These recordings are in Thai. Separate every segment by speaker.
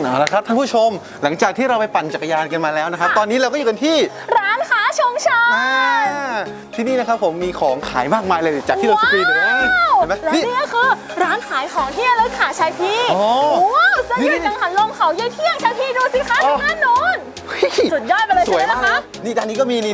Speaker 1: เอาละครับท่านผู้ชมหลังจากที่เราไปปั่นจักรยานกันมาแล้วนะครับตอนนี้เราก็อยู่กันที่
Speaker 2: ร้านค้าชุมชน
Speaker 1: ที่นี่นะครับผมมีของขายมากมายเลยจากที่เราสกรีนเลยนะเห็นไหม
Speaker 2: และนี่ก็คือร้านขายของที่ระลึกค่ะชายพี่ว้าวเสื้อยืดกังหันลมเขาเย่เที่ยงชายพี่ดูสิคะทางด้านโน้นสุดยอดไปเลยใช่ไหมคะ
Speaker 1: นี่ด้านนี้ก็มีนี่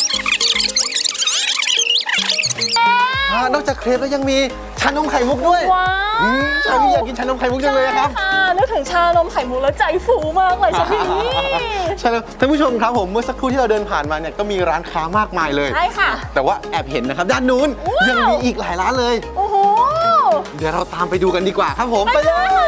Speaker 1: นอกจากเครปแล้วยังมีชานมไข่มุกด้วย
Speaker 2: ว้าว
Speaker 1: ชาพี่อยากกินชานมไข่มุกจังเลยครับ
Speaker 2: นึกถึงชานมไข่มุกแล้วใจฟูมากเลยชาพี่
Speaker 1: ใช่แล้วท่านผู้ชมครับผมเมื่อสักครู่ที่เราเดินผ่านมาเนี่ยก็มีร้านค้ามากมายเลย
Speaker 2: ใช่ค่ะ
Speaker 1: แต่ว่าแอบเห็นนะครับด้านนู้นยังมีอีกหลายร้านเลย
Speaker 2: โอ้โห
Speaker 1: เดี๋ยวเราตามไปดูกันดีกว่าครับผมไปเลย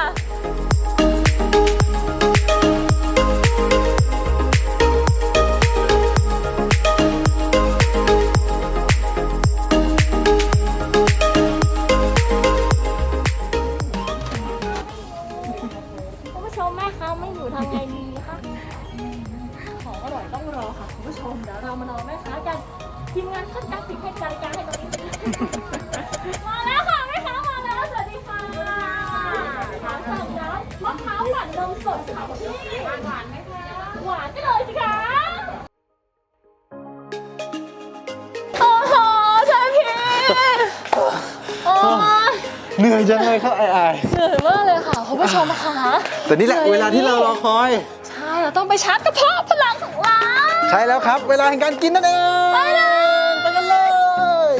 Speaker 2: แม่ค้าไม่อยู่ทำไงดีคะของอร่อยต้องรอค่ะคุณผู้ชมเดี๋ยวเรามารอแม่ค้ากันทีมงานขึ้นกราฟิกให้การให้ตรงนี้มาแล้วค่ะแม่ค้ามาแล้วสวัสดีค่ะถามสั่งแล้วมะพร้าวปั่นนมสดค่ะพี่หวานไหมคะหวานไปเลยสิคะโอ้โหใช่พี่
Speaker 1: เหนื่อยจังเลยครับไอ้
Speaker 2: เหนื่อยมากเลยค่ะคุณผู้ชมค่ะ
Speaker 1: แต่นี่แหละเวลาที่เรารอคอย
Speaker 2: ใช่เราต้องไปชาร์จกระเพาะพลังของเรา
Speaker 1: ใช่แล้วครับเวลาแห่งการกินนั่นเอง
Speaker 2: ไปเลย
Speaker 1: ไปกันเลย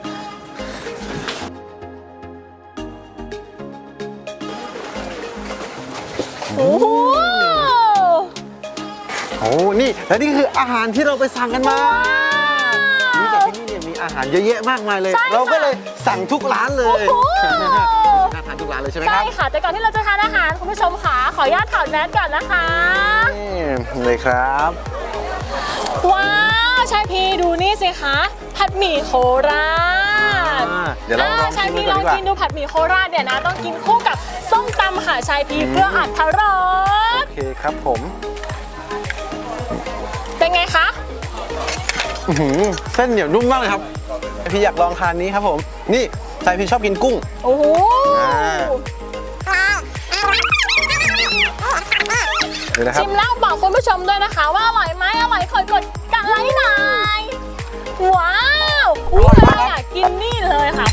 Speaker 2: โอ้โห
Speaker 1: นี่และนี่คืออาหารที่เราไปสั่งกันมานี่จากที่นี่เนี่ยมีอาหารเยอะแยะมากมายเลยเราก็เลยสั่งทุกร้านเลยน่าทานทุกร้านเลยใช่ไหมครับ
Speaker 2: ใช่ค่ะแต่ก่อนที่เราจะทานอาหารคุณผู้ชมค่ะขออนุญาตถอดแมสก่อนนะคะ
Speaker 1: นี่เลยครับ
Speaker 2: ว้าวชายพีดูนี่สิคะผัดหมี่โคราช
Speaker 1: เดี๋ยวเราลอง
Speaker 2: ชายพีลองกินดูผัดหมี่โคราชเนี่ยนะต้องกินคู่กับส้มตำค่ะชายพีเพื่ออรรถรส
Speaker 1: โอเคครับผม
Speaker 2: เป็นไงคะ
Speaker 1: เส้นเหนียวนุ่มมากเลยครับพี่อยากลองทานนี้ครับผมนี่ชายพี่ชอบกินกุ้ง
Speaker 2: โอ้โหชิมแล้วบอกคุณผู้ชมด้วยนะคะว่าอร่อยไหมอร่อยคอยกดกันไลค์หน่อยว้าวเราอยากกินนี่เลยค่ะ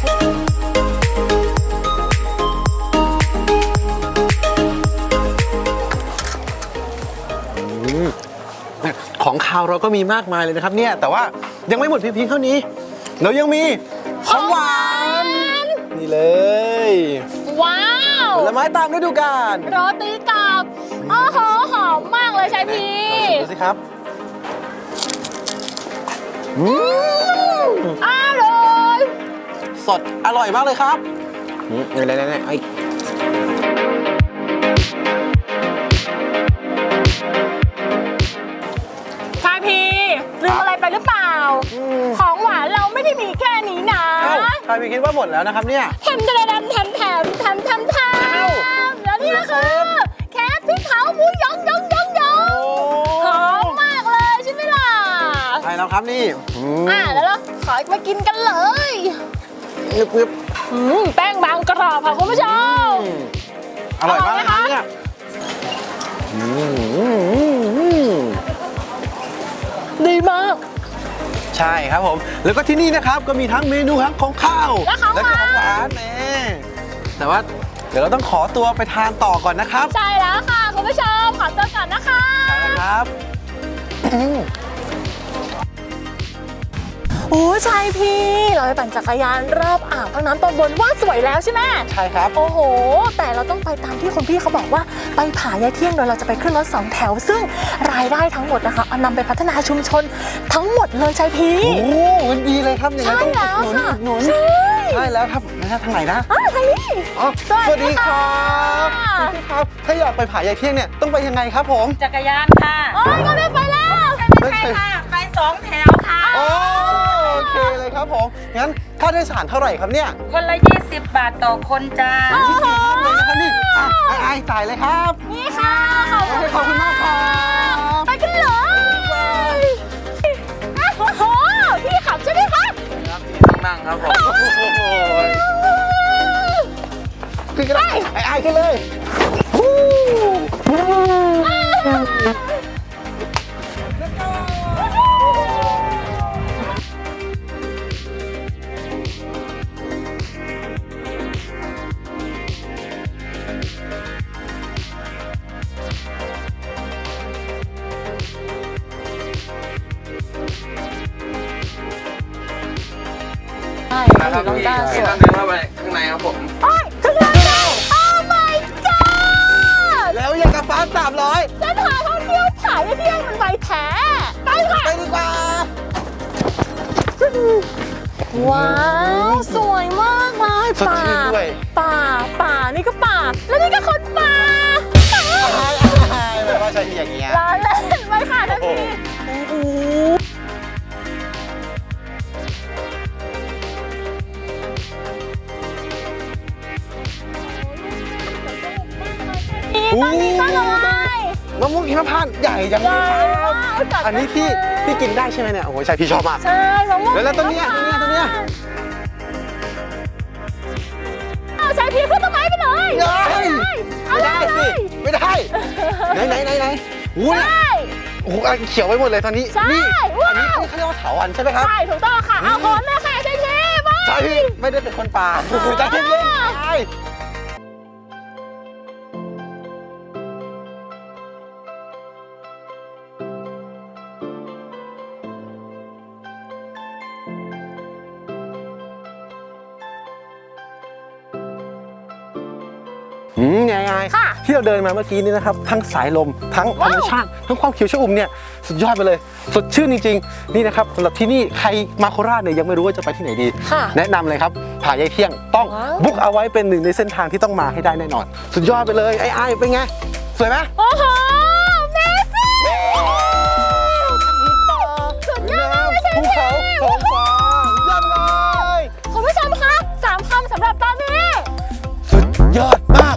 Speaker 1: ของคาวเราก็มีมากมายเลยนะครับเนี่ยแต่ว่ายังไม่หมดเพียงเท่านี้เรายังมีของหวานนี่เลย
Speaker 2: ว้าว
Speaker 1: ผลไม้ตามฤดูกาล
Speaker 2: โรตีกับโอ้โหหอมมากเลยชายพี
Speaker 1: ดูสิครับ
Speaker 2: อร่อย
Speaker 1: สดอร่อยมากเลยครับไหนไอ้
Speaker 2: ชายพีลืมอะไรไปหรือเปล่าของหวานเราไม่ได้มีแค่นี้นะ
Speaker 1: ชายพีคิดว่าหมดแล้วนะครับเนี่ย
Speaker 2: แถมแล้วนี่คือแค่พริกเผาหมูยองหอมมากเลยใช่ไหมล่ะ
Speaker 1: ใช่แล้วครับนี่
Speaker 2: แล้วเราขอมากินกันเลยแป้งบางกรอบค่ะคุณผู้ชม
Speaker 1: อร่อยมากนะคะเนี่ย
Speaker 2: ดีมาก
Speaker 1: ใช่ครับผมแล้วก็ที่นี่นะครับก็มีทั้งเมนูทั้งของข้าวและก็ของหวานแต่ว่าเดี๋ยวเราต้องขอตัวไปทานต่อก่อนนะครับ
Speaker 2: ใช่แล้วค่ะคุณผู้ชมขอตัวก่อนนะคะ
Speaker 1: ใช่แล้วครับ
Speaker 2: โอ้ชายพี่เราไปปั่นจักรยานรอบอ่างพักน้ำตอนบนว่าสวยแล้วใช่ไหม
Speaker 1: ใช่ครับ
Speaker 2: โอ้โหแต่เราต้องไปตามที่คุณพี่เขาบอกว่าไปผายายเที่ยงโดยเราจะไปขึ้นรถ2 แถวซึ่งรายได้ทั้งหมดนะคะเอานำไปพัฒนาชุมชนทั้งหมดเลยชายพี่
Speaker 1: โอ้มันดีเลยครับอย่างนั้นต้องหนุนใช่แล้วครับนะทางไหนนะ
Speaker 2: ทางนี้
Speaker 1: สวัสดีครับครับถ้าอยากไปผายายเที่ยงเนี่ยต้องไปยังไงครับผม
Speaker 3: จักรยานค่ะ
Speaker 2: ก็ได้ไปแล้ว
Speaker 3: ไม่ใช่ค่ะไป2 แถวค่ะ
Speaker 1: โอเคเลยครับผมงั้นค่าโดยสารเท่าไหร่ครับเนี่ย
Speaker 3: คนละ20 บาทต่อคนจ้า
Speaker 1: เลยนะครับนี่ไอ้จ่ายเลยครับ
Speaker 2: นี่ค่ะ
Speaker 1: ขอบคุณมากครับ
Speaker 2: ไปกันเลยโอ้โหพี่ขับใช่ไหมคะ
Speaker 1: พี่นั่งครับผมขึ้นกันเลยไอ้ขึ้นเลย
Speaker 2: ใช่
Speaker 4: มาครับ
Speaker 2: น้อง
Speaker 4: พี่
Speaker 2: ก้าสวย
Speaker 4: ข้างในเข้าไปข้างในครับผม
Speaker 2: โอ้ยถึงแล้ว Oh my god
Speaker 1: แล้วยังกับฟ้า300
Speaker 2: เส้นทางท่องเที่ยวผาเที่ยงมันไวแท้ไปค่ะ
Speaker 1: ไปดีกว่า
Speaker 2: ว้าวสวยมากเลย
Speaker 1: สดชื่นด้วย
Speaker 2: ป่านี่ก็ป่าแล้วนี่ก็คนป่า
Speaker 1: ไม่ว่าใช่ที่อย่างเงี้ย
Speaker 2: ล้อเล่นไปค่ะท่านพี่โอ้โหตอนนี้ก็เลย
Speaker 1: มะม่วงหิมพานต์ใหญ่จังเลยครับ อันนี้ที่กินได้ใช่ไหมเนี่ย โอ้โหใช่พี่ชอบมาก
Speaker 2: ใช่มะม่วง
Speaker 1: แล้วต้นเนี้ย
Speaker 2: เอาใช้พีขึ้นต้นไม้ไปเลย
Speaker 1: ไม่ได้สิไม่ได้ไหนอู้เนี่ย
Speaker 2: ใช่
Speaker 1: โอ้โหอะไรเขียวไปหมดเลยตอนนี้
Speaker 2: ใช่
Speaker 1: นี่
Speaker 2: ว้าว
Speaker 1: อันนี้เขาเรียกว่าเถาวัลย์ใช่ไหมครับ
Speaker 2: ใช่ถูกต้องค่ะเอาพร้อมเลยค่ะใช่พีไป
Speaker 1: ใช่พี่ไม่ได้เป็นคนป่าโอ้โหใจเย็นๆใช่ไง
Speaker 2: ค่ะ
Speaker 1: ที่เราเดินมาเมื่อกี้นี่นะครับ ทั้งสายลมทั้งธรรมชาติทั้งความเขียวชอุ่มเนี่ยสุดยอดไปเลย สดชื่นจริงๆ นี่นะครับสำหรับที่นี่ใครมาโคราชเนี่ยยังไม่รู้ว่าจะไปที่ไหนดี
Speaker 2: ค่ะ
Speaker 1: แนะนำเลยครับผายายเที่ยงต้อง
Speaker 2: ว้าว
Speaker 1: บุ๊กเอาไว้เป็นหนึ่งในเส้นทางที่ต้องมาให้ได้แน่นอน สุดยอดไปเลยไอ้เป็นไง สวยไหม
Speaker 2: โอ้โหเมซี่สุดยอดเลยใช่
Speaker 1: ภู
Speaker 2: พี
Speaker 1: เขาท้องฟ้าสุดยอดเลย
Speaker 2: คุณผู้ชมคะ3 คำสำหรับตอนนี้
Speaker 1: สุดยอดมาก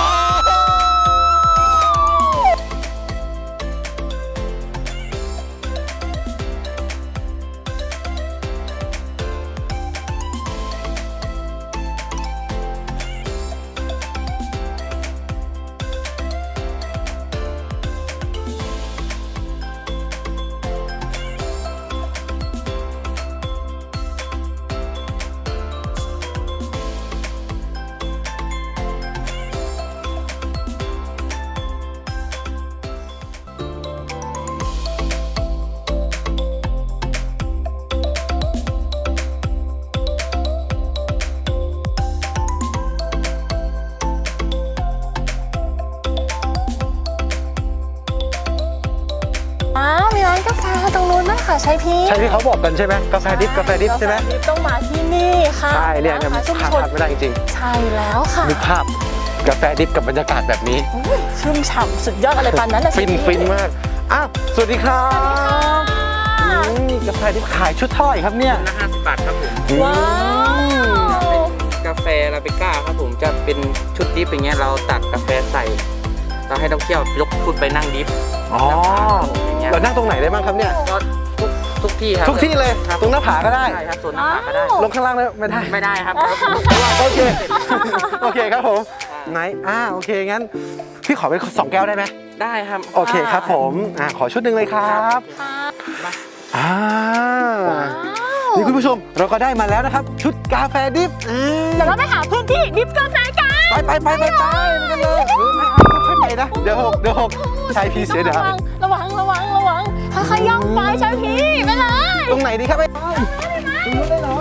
Speaker 2: มีร้านกาแฟตรงนู้นนะคะใช่พี่
Speaker 1: ใช่ที่เขาบอกกันใช่ไหมกาแฟดิบกาแฟดิบใช่ไหม
Speaker 2: กาแฟดิบต้องมาที่นี่ค่ะ
Speaker 1: ใช่เนี่ยมัน
Speaker 2: ชุม
Speaker 1: ขาด
Speaker 2: ชน
Speaker 1: ไม่ได้จริง
Speaker 2: ใช่แล้วค่ะ
Speaker 1: ๆนึกภาพกาแฟดิบกับบรรยากาศแบบนี้
Speaker 2: อุ๊ยชุ่มฉ่ำสุดยอดอะไรปานนั้นนะ
Speaker 1: ฟินมากอ้าวสวัสดีครับนี่กาแฟดิบขายชุดเท่าไหร่ครับเนี่ย
Speaker 4: ละ50 บาทครับผม
Speaker 2: ว้าว
Speaker 4: กาแฟลาเบก้าครับผมจะเป็นชุดดิฟอย่างเงี้ยเราตักกาแฟใส่เราให้นักท่องเที่ยวยกขึ้นไปนั่งดิฟ
Speaker 1: อ๋อ
Speaker 4: อย่างเงี้ย
Speaker 1: เรานั่งตรงไหนได้บ้างครับเนี่ย
Speaker 4: ก็ทุกที่ครับ
Speaker 1: ทุกที่เลย
Speaker 4: ครับ
Speaker 1: ตรงหน้าผาก็ได้
Speaker 4: ใช่ครับส่วนหน้าผาก็ได้
Speaker 1: ลงข้างล่างได้ไม่ได้
Speaker 4: ไม่ได้ครับ
Speaker 1: โอเค โอเคครับผม ไหนโอเค งั้น พี่ขอเป็น2 แก้วได้ไหม
Speaker 4: ได้ครับ
Speaker 1: โอเคครับผม ขอชุดหนึ่งเลยครับ
Speaker 2: ค่ะ
Speaker 1: อ่า
Speaker 2: ว้าว
Speaker 1: นี่คุณผู้ชม เราก็ได้มาแล้วนะครับ ชุดกาแฟดิฟ
Speaker 2: เดี๋ยวเราไปหาพื้นที่ดิฟกาแฟกัน
Speaker 1: ไปกันเลยค่อยๆไปนะ เดี๋ยวหกชายพีเสียเดี๋ยว
Speaker 2: ระวังค่อยๆย่องไปใช่พี่ไปเลย
Speaker 1: ตรงไหนดีครับไอ้ตรงนู้นได้เหรอ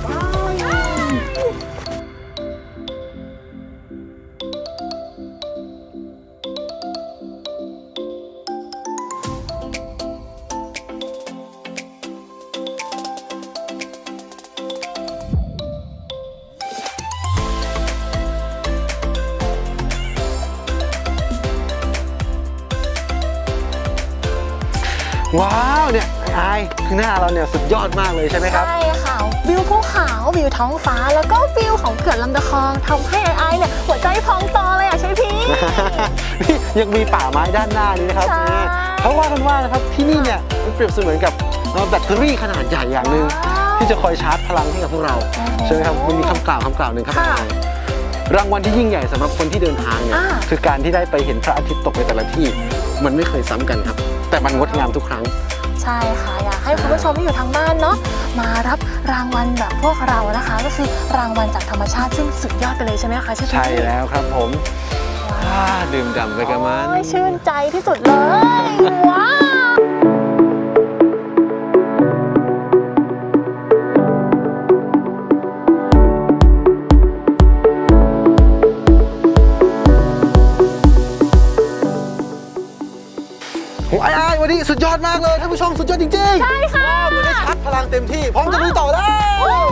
Speaker 1: ว้าวเนี่ยไอ้คือหน้าเราเนี่ยสุดยอดมากเลยใช่ไหมครับ
Speaker 2: ใช่ค่ะวิวภูเขาวิวท้องฟ้าแล้วก็วิวของเขื่อนลำตะคองทำให้ไอ้เนี่ยหัวใจพองโตเลยอ่ะใช่พี่
Speaker 1: นี่ยังมีป่าไม้ด้านหน้านี้นะครับ
Speaker 2: ใช่
Speaker 1: นี่เขาว่ากันว่านะครับที่นี่เนี่ยมันเปรียบเสมือนกับแบตเตอรี่ขนาดใหญ่อย่างหนึ่งที่จะคอยชาร์จพลังให้กับพวกเราใช่ไหมครับมันมีคำกล่าวหนึ่งครับ
Speaker 2: ค่ะ
Speaker 1: รางวัลที่ยิ่งใหญ่สำหรับคนที่เดินทางเนี่ย คือการที่ได้ไปเห็นพระอาทิตย์ตกในแต่ละที่มันไม่เคยซ้ำกันครับ แต่มันงดงามทุกครั้ง
Speaker 2: ใช่ค่ะอยากให้คุณผู้ชมที่อยู่ทางบ้านเนาะมารับรางวัลแบบพวกเรานะคะ ก็คือรางวัลจากธรรมชาติซึ่งสุดยอดไปเลยใช่ไหมคะเชฟ
Speaker 1: ใช่แล้วครับผมดื่มด่ำไปกับมัน
Speaker 2: โอ้ยชื่นใจที่สุดเลย ว้าว
Speaker 1: โอ้ยวันนี้สุดยอดมากเลยท่านผู้ชมสุดยอดจริงๆ
Speaker 2: ใช่ค่ะ
Speaker 1: วันนี้ชัดพลังเต็มที่พร้อมจะลุยต่อแล้ว
Speaker 2: โอ้